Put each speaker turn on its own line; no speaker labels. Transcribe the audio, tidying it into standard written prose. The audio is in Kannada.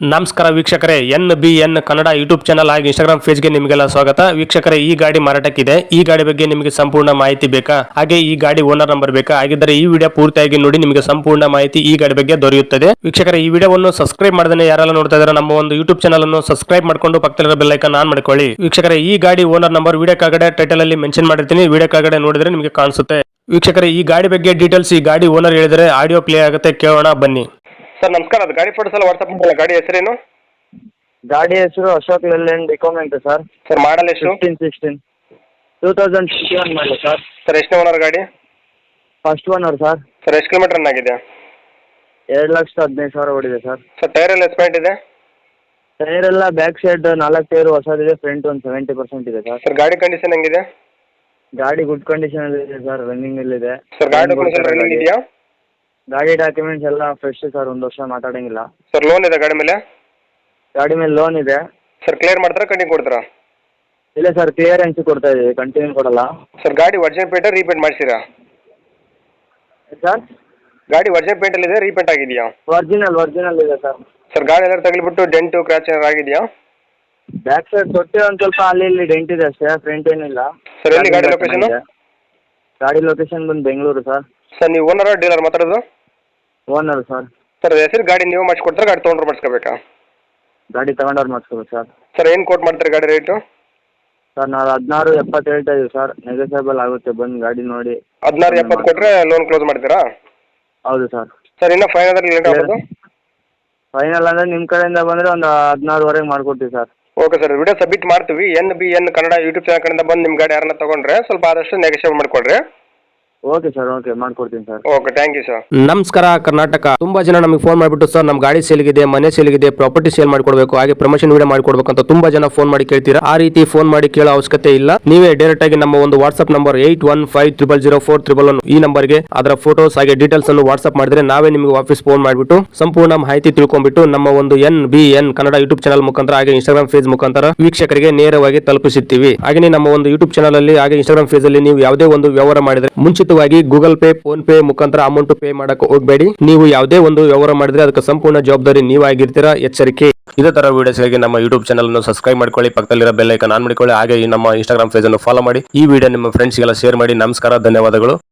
ನಮಸ್ಕಾರ ವೀಕ್ಷಕರೇ, NBN ಕನ್ನಡ ಯೂಟ್ಯೂಬ್ ಚಾನಲ್ ಹಾಗೂ ಇನ್ಸ್ಟಾಗ್ರಾಮ್ ಪೇಜ್ಗೆ ನಿಮಗೆಲ್ಲ ಸ್ವಾಗತ. ವೀಕ್ಷಕರೇ, ಈ ಗಾಡಿ ಮಾರಾಟಕ್ಕಿದೆ. ಈ ಗಾಡಿ ಬಗ್ಗೆ ನಿಮಗೆ ಸಂಪೂರ್ಣ ಮಾಹಿತಿ ಬೇಕಾ? ಹಾಗೆ ಈ ಗಾಡಿ ಓನರ್ ನಂಬರ್ ಬೇಕಾ? ಹಾಗಿದ್ದರೆ ಈ ವಿಡಿಯೋ ಪೂರ್ತಿಯಾಗಿ ನೋಡಿ, ನಿಮಗೆ ಸಂಪೂರ್ಣ ಮಾಹಿತಿ ಈ ಗಾಡಿ ಬಗ್ಗೆ ದೊರೆಯುತ್ತದೆ. ವೀಕ್ಷಕರೇ, ಈ ವಿಡಿಯೋವನ್ನು ಸಬ್ಸ್ಕ್ರೈಬ್ ಮಾಡದೇ ಯಾರೆಲ್ಲ ನೋಡ್ತಾ ಇದ್ದಾರೆ ನಮ್ಮ ಒಂದು ಯೂಟ್ಯೂಬ್ ಚಾನಲ್ ಅನ್ನು ಸಬ್ಸ್ಕ್ರೈಬ್ ಮಾಡ್ಕೊಂಡು ಪಕ್ಕದಲ್ಲಿರೋ ಬೆಲ್ ಐಕಾನ್ ಆನ್ ಮಾಡ್ಕೊಳ್ಳಿ. ವೀಕ್ಷಕರೇ, ಈ ಗಾಡಿ ಓನರ್ ನಂಬರ್ ವಿಡಿಯೋ ಕೆಳಗಡೆ ಟೈಟಲ್ ಅಲ್ಲಿ ಮೆನ್ಷನ್ ಮಾಡಿರ್ತೀನಿ, ವಿಡಿಯೋ ಕೆಳಗಡೆ ನೋಡಿದ್ರೆ ನಿಮಗೆ ಕಾಣಿಸುತ್ತೆ. ವೀಕ್ಷಕರೇ, ಈ ಗಾಡಿ ಬಗ್ಗೆ ಡೀಟೇಲ್ಸ್ ಈ ಗಾಡಿ ಓನರ್ ಹೇಳಿದರೆ ಆಡಿಯೋ ಪ್ಲೇ ಆಗುತ್ತೆ, ಕೇಳೋಣ ಬನ್ನಿ. ಸರ್ ನಮಸ್ಕಾರ, ಅದು ಗಾಡಿ ಫೋಟೋಸ್ ಎಲ್ಲ ವಾಟ್ಸ್ಆಪ್ ಮಾಡಲ್ಲ. ಗಾಡಿ ಹೆಸರೇನು?
ಗಾಡಿ ಹೆಸರು Ashok Leyland Ecomet sir.
Sir model ಎಷ್ಟು?
2016 2021 ಮಾಡಲಿ ಸರ್.
ಸರ್ ಎಷ್ಟನೇ ಓನರ್ ಗಾಡಿ?
First owner sir.
ಸರ್ ಎಷ್ಟು ಕಿಲೋಮೀಟರ್ ರನ್ ಆಗಿದೆ?
2,15,000 ಓಡಿದೆ ಸರ್.
ಸರ್ ಟೈರ್ ಎಲ್ಲ ಎಸ್ಪೆಂಟ್ ಇದೆ?
ಟೈರ್ ಎಲ್ಲ ಬ್ಯಾಕ್ ಸೈಡ್ 4 ಟೈರ್ ಹೊಸದಿದೆ, ಫ್ರಂಟ್ ಒಂದು 70% ಇದೆ ಸರ್.
ಸರ್ ಗಾಡಿ ಕಂಡೀಷನ್ ಹೆಂಗಿದೆ?
ಗಾಡಿ ಗುಡ್ ಕಂಡೀಷನ್ ಇದೆ ಸರ್, ರನ್ನಿಂಗ್ ಇದೆ.
ಸರ್ ಗಾಡಿ ಡಾಕ್ಯುಮೆಂಟ್ಸ್ ರನ್ನಿಂಗ್ ಇದೆಯಾ?
ಗಾಡಿ ಡಾಕ್ಯುಮೆಂಟ್ಸ್ ಎಲ್ಲ ಫ್ರೆಶ್ ಸರ್, 1 ವರ್ಷ ಮಾತಾಡಂಗಿಲ್ಲ.
ಸರ್ ಲೋನ್ ಇದೆ ಗಾಡಿ ಮೇಲೆ?
ಗಾಡಿ ಮೇಲೆ ಲೋನ್ ಇದೆ.
ಸರ್ ಕ್ಲಿಯರ್ ಮಾಡ್ತಾರಾ ಕಂಟಿನ್ಯೂ ಕೊಡ್ತಾರಾ?
ಇಲ್ಲ ಸರ್, ಕ್ಲಿಯರೆನ್ಸ್ ಕೊಡ್ತಾ ಇದೀವಿ, ಕಂಟಿನ್ಯೂ ಕೊಡಲ್ಲ.
ಸರ್ ಗಾಡಿ ಒರಿಜಿನಲ್ ಪೇಂಟ್ ರೀಪೇಂಟ್ ಮಾಡಿಸಿರಾ?
ಸರ್
ಗಾಡಿ ಒರಿಜಿನಲ್ ಪೇಂಟ್ ಅಲ್ಲಿ ಇದೆ, ರೀಪೇಂಟ್ ಆಗಿದೆಯಾ?
ಒರಿಜಿನಲ್ ಇದೆ ಸರ್.
ಸರ್ ಗಾಡಿ ಎಲ್ಲ ತಗಲಿಬಿಟ್ಟು ಡೆಂಟು ಕ್ರ್ಯಾಚ್ ಏನಾರು ಆಗಿದೆಯಾ?
ಬ್ಯಾಕ್ ಸೈಡ್ ತೊಟ್ಟಿ ಒಂದು ಸ್ವಲ್ಪ ಅಲ್ಲಿ ಇಲ್ಲಿ ಡೆಂಟ್ ಇದೆ ಅಷ್ಟೇ, ಫ್ರಂಟ್ ಏನಿಲ್ಲ.
ಸರ್ ಎಲ್ಲಿ ಗಾಡಿ ಲೊಕೇಶನ್?
ಗಾಡಿ ಲೊಕೇಶನ್ ಬಂದು ಬೆಂಗಳೂರು ಸರ್.
ಸರ್ ನೀವು ಓನರ್ ಡೀಲರ್ ಮಾತಾಡೋದು?
Owner sir.
ಸರ್ ಹೆಸರು ಗಾಡಿ ನೀವು ಮಾಡಿಸ್ಕೊಡ್ತಾರೆ, ಗಾಡಿ ತೊಗೊಂಡ್ರೆ ಮಾಡಿಸ್ಕೋಬೇಕಾ?
ಗಾಡಿ ತಗೊಂಡವ್ರು ಮಾಡಿಸ್ಕೋಬೇಕು ಸರ್.
ಸರ್ ಏನು ಕೋಟ್ ಮಾಡ್ತಾರೆ ಗಾಡಿ ರೇಟು?
ಸರ್ ನಾವು 16,70 ಹೇಳ್ತಾ ಇದೀವಿ ಸರ್, ನೆಗೋಸಿಯಬಲ್ ಆಗುತ್ತೆ, ಬಂದು ಗಾಡಿ ನೋಡಿ.
16,70 ಕೊಟ್ಟರೆ ಲೋನ್ ಕ್ಲೋಸ್ ಮಾಡ್ತೀರಾ?
ಹೌದು ಸರ್.
ಸರ್ ಇನ್ನೂ ಫೈನ್ ಆದರೆ ಲೇಟ್ ಆಗೋದು?
ಫೈನಲ್ ಅಂದರೆ ನಿಮ್ಮ ಕಡೆಯಿಂದ ಬಂದರೆ ಒಂದು 16,500 ಮಾಡಿಕೊಡ್ತೀವಿ sir.
Okay sir, video submit ಮಾಡ್ತೀವಿ. NBN ಕನ್ನಡ ಯೂಟ್ಯೂಬ್ ಚಾನಲ್ ಕಡೆಯಿಂದ ಬಂದು ನಿಮ್ಮ ಗಾಡಿ ಯಾರನ್ನ ತೊಗೊಂಡ್ರೆ ಸ್ವಲ್ಪ ಆದಷ್ಟು ನೆಗೋಷಿಯೇಟ್ ಮಾಡಿಕೊಡ್ರಿ.
ಓಕೆ ಸರ್, ಓಕೆ ಮಾಡ್ಕೊಡ್ತೀನಿ sir.
Okay, thank you sir.
ನಮಸ್ಕಾರ ಕರ್ನಾಟಕ. ತುಂಬಾ ಜನ ನಮಗೆ ಫೋನ್ ಮಾಡಿಬಿಟ್ಟು ಸರ್ ನಮ್ಮ ಗಾಡಿ ಸೇಲ್ಗಿದೆ, ಮನೆ ಸೇಲ್ಗಿದೆ, ಪ್ರಾಪರ್ಟಿ ಸೇಲ್ ಮಾಡ್ಕೊಡ್ಬೇಕು, ಹಾಗೆ ಪ್ರಮೋಷನ್ ವಿಡಿಯೋ ಮಾಡ್ಕೊಡ್ಬೇಕು ಅಂತ ತುಂಬಾ ಜನ ಫೋನ್ ಮಾಡಿ ಕೇಳ್ತೀರಾ. ಆ ರೀತಿ ಫೋನ್ ಮಾಡಿ ಕೇಳೋ ಅವಶ್ಯಕತೆ ಇಲ್ಲ. ನೀವೇ ಡೈರೆಕ್ಟ್ ಆಗಿ ನಮ್ಮ ಒಂದು ವಾಟ್ಸ್ಆಪ್ ನಂಬರ್ 81500411 ಈ ನಂಬರ್ಗೆ ಅದರ ಫೋಟೋಸ್ ಹಾಗೆ ಡೀಟೇಲ್ಸ್ ಅನ್ನು ವಾಟ್ಸ್ಆಪ್ ಮಾಡಿದ್ರೆ ನಾವೇ ನಿಮಗೆ ವಾಪಸ್ ಫೋನ್ ಮಾಡಿಬಿಟ್ಟು ಸಂಪೂರ್ಣ ಮಾಹಿತಿ ತಿಳ್ಕೊಂಡ್ಬಿಟ್ಟು ನಮ್ಮ ಒಂದು NBN ಕನ್ನಡ ಯೂಟ್ಯೂಬ್ ಚಾನಲ್ ಮುಖಾಂತರ ಹಾಗೆ ಇನ್ಸ್ಟಾಗ್ರಾಮ್ ಪೇಜ್ ಮುಖಾಂತರ ವೀಕ್ಷಕರಿಗೆ ನೇರವಾಗಿ ತಲುಪಿಸುತ್ತೀವಿ. ಹಾಗೆ ನಮ್ಮ ಒಂದು ಯೂಟ್ಯೂಬ್ ಚಾನಲ್ ಅಲ್ಲಿ ಹಾಗೆ ಇನ್ಸ್ಟಾಗ್ರಾಮ್ ಪೇಜ್ ಅಲ್ಲಿ ನೀವು ಯಾವುದೇ ಒಂದು ವ್ಯವಹಾರ ಮಾಡಿದ್ರೆ ಮುಂಚಿತವಾಗಿ ಗೂಗಲ್ ಪೇ, ಫೋನ್ ಪೇ ಮುಖಾಂತರ ಅಮೌಂಟ್ ಪೇ ಮಾಡಕ್ಕೆ ಹೋಗಬೇಡಿ. ನೀವು ಯಾವುದೇ ಒಂದು ವ್ಯವಹಾರ ಮಾಡಿದ್ರೆ ಅದಕ್ಕೆ ಸಂಪೂರ್ಣ ಜವಾಬ್ದಾರಿ ನೀವಾಗಿರ್ತೀರಾ, ಎಚ್ಚರಿಕೆ. ಇದೇ ತರ ವಿಡಿಯೋಸ್ಗಾಗಿ ನಮ್ಮ ಯೂಟ್ಯೂಬ್ ಚಾನಲ್ ಅನ್ನು ಸಬ್ಸ್ಕ್ರೈಬ್ ಮಾಡ್ಕೊಳ್ಳಿ, ಪಕ್ಕದಲ್ಲಿರೋ ಬೆಲ್ ಐಕಾನ್ ಆನ್ ಮಾಡಿಕೊಳ್ಳಿ, ಹಾಗೆ ಈ ನಮ್ಮ ಇನ್ಸ್ಟಾಗ್ರಾಮ್ ಪೇಜ್ ಅನ್ನು ಫಾಲೋ ಮಾಡಿ. ಈ ವಿಡಿಯೋ ನಿಮ್ಮ ಫ್ರೆಂಡ್ಸ್ಗೆಲ್ಲ ಶೇರ್ ಮಾಡಿ. ನಮಸ್ಕಾರ, ಧನ್ಯವಾದಗಳು.